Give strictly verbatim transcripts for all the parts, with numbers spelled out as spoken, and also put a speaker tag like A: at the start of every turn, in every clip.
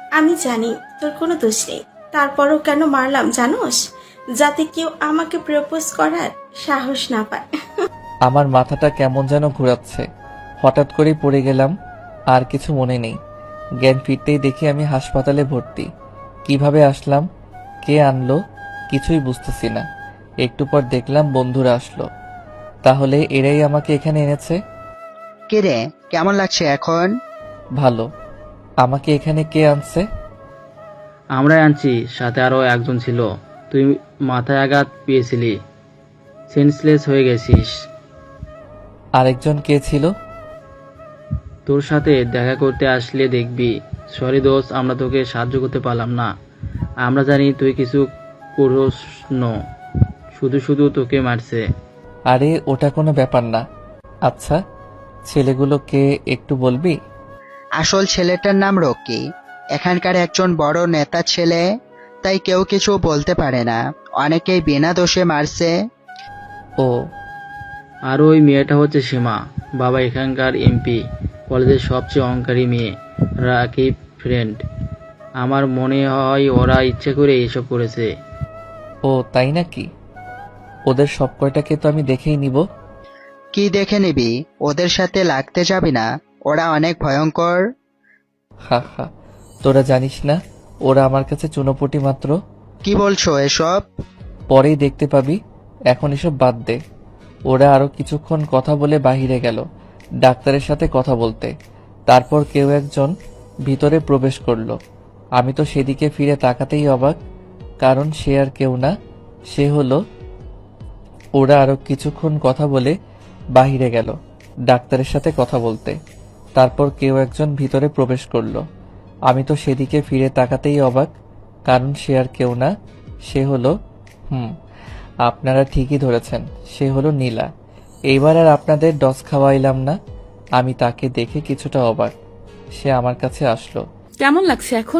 A: আমি জানি তোর কোনো দোষ নেই, তারপরও কেন মারলাম জানোস? যাতে কেউ আমাকে প্রপোজ করার সাহস না পায়।
B: আমার মাথাটা কেমন যেন ঘোরাচ্ছে। হঠাৎ করেই পড়ে গেলাম, আর কিছু মনে নেই। জ্ঞান ফিরতেই দেখি আমি হাসপাতালে ভর্তি। কিভাবে আসলাম, কে আনলো, কিছুই বুঝতেছি না। একটু পর দেখলাম বন্ধুরা আসলো। তাহলে এরাই আমাকে এখানে এনেছে।
C: কিরে, কেমন লাগছে এখন?
B: ভালো। আমাকে এখানে কে আনছে?
D: আমরাই আনছি, সাথে আরো একজন ছিল। তুই মাথায় আঘাত পেয়েছিলি, সেন্সলেস হয়ে গেছিস।
B: আরেকজন কে ছিল?
D: তোর সাথে দেখা করতে আসলে দেখবি। সরি দোস্ত, আমরা তোকে সাহায্য করতে পারলাম না। আমরা জানি তুই কিছু করিস না, শুধু শুধু তোকে মারছে।
B: আরে ওটা কোনো ব্যাপার না। আচ্ছা, ছেলেগুলো কে একটু বলবি?
C: আসল ছেলেটার নাম রকি, এখানকার একজন বড় নেতা ছেলে, তাই কেউ কিছু বলতে পারে না। অনেকেই বিনা দোষে মারছে।
B: ও,
D: আর ওই মেয়েটা হচ্ছে সীমা, বাবা এখানকার এমপি, কলেজের সবচেয়ে অহংকারী মেয়ে, রাকিব ফ্রেন্ড। আমার মনে হয় ওরা ইচ্ছে করে এসব করেছে।
B: ও তাই নাকি? ওদের সব কয়টাকে তো আমি দেখেই নিব।
C: কি দেখে নিবি? ওদের সাথে লাগতে যাবি না, ওরা অনেক ভয়ঙ্কর।
B: হা হা, তোরা জানিস না ওরা আমার কাছে চুনোপুটি মাত্র।
C: কি বলছো এসব?
B: পরেই দেখতে পাবি। এখন এসব বাদ দে। ওরা আরো কিছুক্ষণ কথা বলে বাহিরে গেল ডাক্তারের সাথে কথা বলতে। তারপর কেউ একজন ভিতরে প্রবেশ করলো। আমি তো সেদিকে ফিরে তাকাতেই অবাক, কারণ সে আর কেউ না, সে হলো। ওরা আরো কিছুক্ষণ কথা বলে বাহিরে গেল ডাক্তারের সাথে কথা বলতে। তারপর কেউ একজন ভিতরে প্রবেশ করলো। আমি তো সেদিকে ফিরে তাকাতেই অবাক, কারণ সে আর কেউ না, সে হলো। হুম, আপনারা ঠিকই ধরেছেন, সে হলো নীলা। এইবার আর আপনাদের ডস খাওয়াইলাম না। আমি তাকে দেখে কিছুটা অবাক। সে আমার কাছে আসলো।
E: কেমন লাগছে এখন?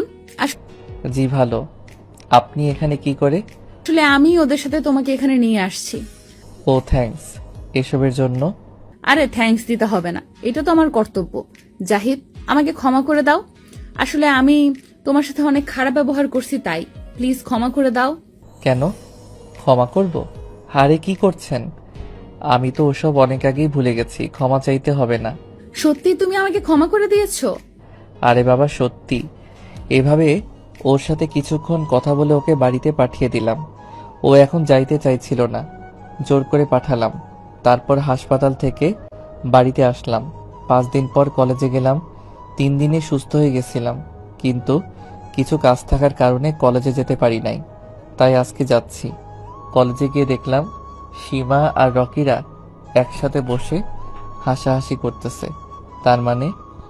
B: জি ভালো। আপনি এখানে কি করে?
E: আসলে আমি ওদের সাথে তোমাকে এখানে নিয়ে আসছি।
B: ও থ্যাঙ্কস এসবের জন্য।
E: আরে থ্যাঙ্কস দিতে হবে না, এটা তো আমার কর্তব্য। জাহিদ, আমাকে ক্ষমা করে দাও। আসলে আমি তোমার সাথে অনেক খারাপ ব্যবহার করছি, তাই প্লিজ ক্ষমা করে দাও।
B: কেন ক্ষমা করব? হারে কি করছেন? আমি তো ওসব অনেক আগেই ভুলে গেছি, ক্ষমা চাইতে হবে না।
E: সত্যি তুমি আমাকে ক্ষমা করে দিয়েছো?
B: আরে বাবা সত্যি। এভাবে ওর সাথে কিছুক্ষণ কথা বলে ওকে বাড়িতে পাঠিয়ে দিলাম। ও এখন যাইতে চাইছিল না, জোর করে পাঠালাম। তারপর হাসপাতাল থেকে বাড়িতে আসলাম। পাঁচ দিন পর কলেজে গেলাম। তিন দিনে সুস্থ হয়ে গেছিলাম, কিন্তু কিছু কাজ থাকার কারণে কলেজে যেতে পারি নাই। তাই আজকে যাচ্ছি। কলেজে গিয়ে দেখলাম সীমা আর রকিরা একসাথে বসে হাসাহাসি করতেছে। তার মানে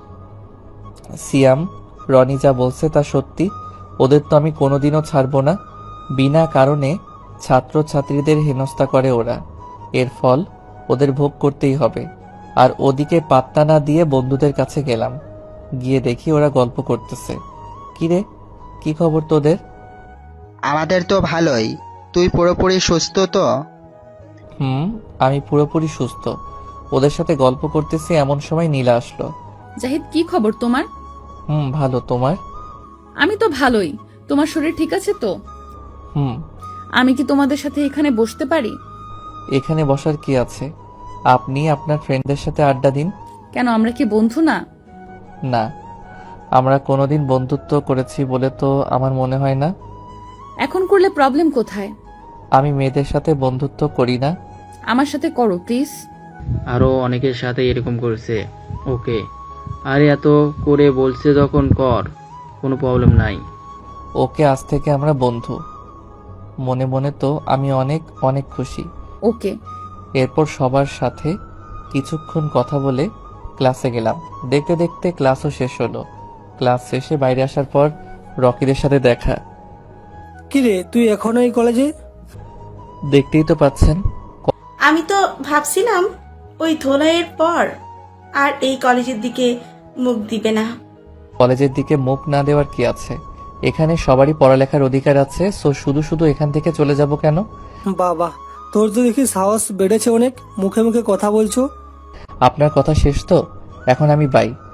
B: সিয়াম, রনি যা বলছে তা সত্যি। ওদের তো আমি কোনোদিনও ছাড়বো না। বিনা কারণে ছাত্র ছাত্রীদের হেনস্থা করে ওরা, এর ফল ওদের ভোগ করতেই হবে। আর ওদিকে পাত্তা না দিয়ে বন্ধুদের কাছে গেলাম। গিয়ে দেখি ওরা গল্প করতেছে। কিরে, কি খবর তোদের?
C: আমাদের তো ভালোই। তুই পুরোপুরি সুস্থ তো?
B: হুম, আমি পুরোপুরি সুস্থ। ওদের সাথে গল্প করতেছি এমন সময় নীলা আসলো।
E: জাহিদ, কি খবর তোমার?
B: হুম ভালো, তোমার?
E: আমি তো ভালোই। তোমার শরীর ঠিক আছে তো?
B: হুম।
E: আমি কি তোমাদের সাথে এখানে বসতে পারি?
B: এখানে বসার কি আছে? আপনি আপনার ফ্রেন্ডদের সাথে আড্ডা দিন।
E: কেন, আমরা কি বন্ধু না?
B: না, আমরা কোনোদিন বন্ধুত্ব করেছি বলে তো আমার মনে হয় না।
E: এখন করলে প্রবলেম কোথায়?
B: আমি মেয়েদের সাথে বন্ধুত্ব করি না।
E: আমার সাথে করো প্লিজ।
D: আরো অনেকের সাথে এরকম করেছে। ওকে, আরে এত করে বলছে যখন কর, কোনো প্রবলেম নাই।
B: ওকে, আজ থেকে আমরা বন্ধু। মনে মনে তো আমি অনেক অনেক খুশি।
E: ওকে।
B: এরপর সবার সাথে কিছুক্ষণ কথা বলে ক্লাসে গেলাম। দেখতে দেখতে ক্লাসও শেষ হলো। ক্লাস শেষে বাইরে আসার পর রকিদের সাথে দেখা।
F: কিরে, তুই এখনো এই কলেজে?
B: দেখতেই তো পাচ্ছেন।
A: আমি তো ভাবছিলাম ওই ধোলাইয়ের পর আর এই কলেজের দিকে মুখ দিবে না।
B: কলেজের দিকে মুখ না দেওয়ার কি আছে? এখানে সবারই পড়ালেখার অধিকার আছে, সো শুধু শুধু এখান থেকে চলে যাব কেন?
F: বাবা, তোর তো দেখি সাহস বেড়েছে অনেক, মুখে মুখে কথা বলছো।
B: আপনার কথা শেষ তো, এখন আমি বাই।